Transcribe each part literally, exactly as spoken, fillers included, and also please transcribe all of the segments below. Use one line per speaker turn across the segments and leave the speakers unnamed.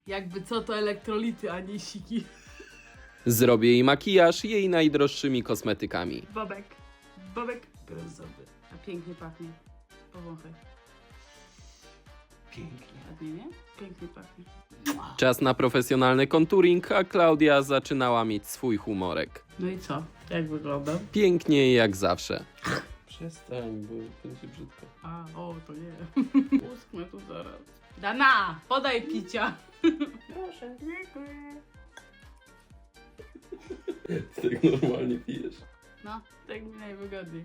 Jakby co, to elektrolity, a nie siki.
Zrobię jej makijaż jej najdroższymi kosmetykami.
Bobek. Bobek brązowy. A pięknie pachnie. Powąchaj.
Pięknie.
Ładnie, nie? Pięknie pachnie.
Czas na profesjonalny contouring, a Klaudia zaczynała mieć swój humorek.
No i co? Jak wygląda?
Pięknie jak zawsze.
Przestań, bo będzie brzydko.
A, o, to nie. Uschnę tu zaraz. Dana, podaj picia.
Proszę.
Dziękuję.
Ty tak normalnie pijesz.
No, tak mi najwygodniej.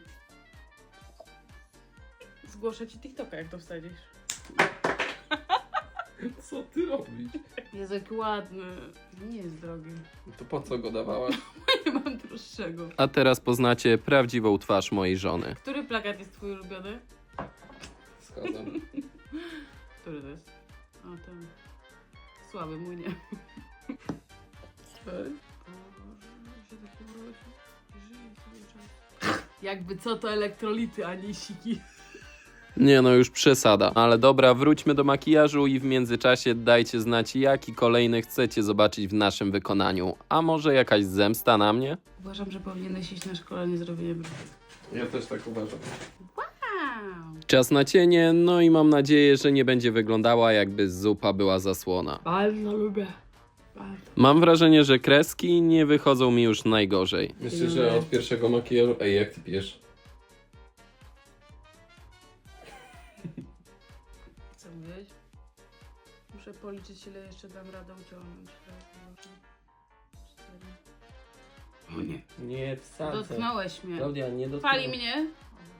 Zgłoszę ci TikToka, jak to wsadzisz.
Co ty robisz?
Jest jaki ładny. Nie jest drogi.
To po co go dawałaś?
Nie mam droższego.
A teraz poznacie prawdziwą twarz mojej żony.
Który plakat jest twój ulubiony?
Zgadzam.
Który to jest? O, ten. Słaby, mój nie.
Ej.
Jakby co, to elektrolity, a nie siki.
Nie no, już przesada. Ale dobra, wróćmy do makijażu i w międzyczasie dajcie znać, jaki kolejny chcecie zobaczyć w naszym wykonaniu. A może jakaś zemsta na mnie?
Uważam, że powinieneś iść na szkolenie zrobienia brwi.
Ja też tak uważam.
Wow.
Czas na cienie, no i mam nadzieję, że nie będzie wyglądała, jakby zupa była zasłona.
Bardzo lubię. Bardzo.
Mam wrażenie, że kreski nie wychodzą mi już najgorzej.
Myślę, że od pierwszego makijażu... Ej, jak ty pijesz?
Co mówiłeś? Muszę policzyć, ile jeszcze dam radę uciągnąć. Cztery. O nie.
Nie, wsadzę.
Dotknąłeś mnie.
Klaudia, nie dotknąłeś.
Pali mnie?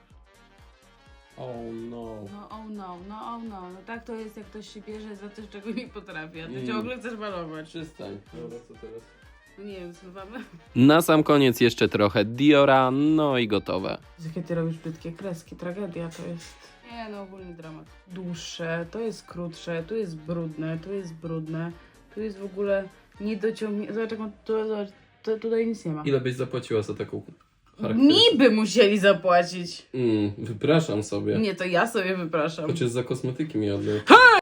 Oh no.
No oh no, no oh no. No tak to jest, jak ktoś się bierze za coś, czego nie potrafi, a ty
Mm.
ciągle chcesz malować.
Przestań. Dobra, co teraz?
No nie wiem, zmywamy.
Na sam koniec jeszcze trochę Diora, no i gotowe.
Jakie ty robisz brzydkie kreski, tragedia to jest. Nie no, ogólny dramat. Dłuższe, to jest krótsze, tu jest brudne, tu jest brudne, tu jest w ogóle niedociągnięte. Zobacz, jak on, tu, zobacz, to, tutaj nic nie ma.
Ile byś zapłaciła za taką charakterystykę?
Mi by musieli zapłacić.
Mm, wypraszam sobie.
Nie, to ja sobie wypraszam.
Chociaż za kosmetyki mi oddaj.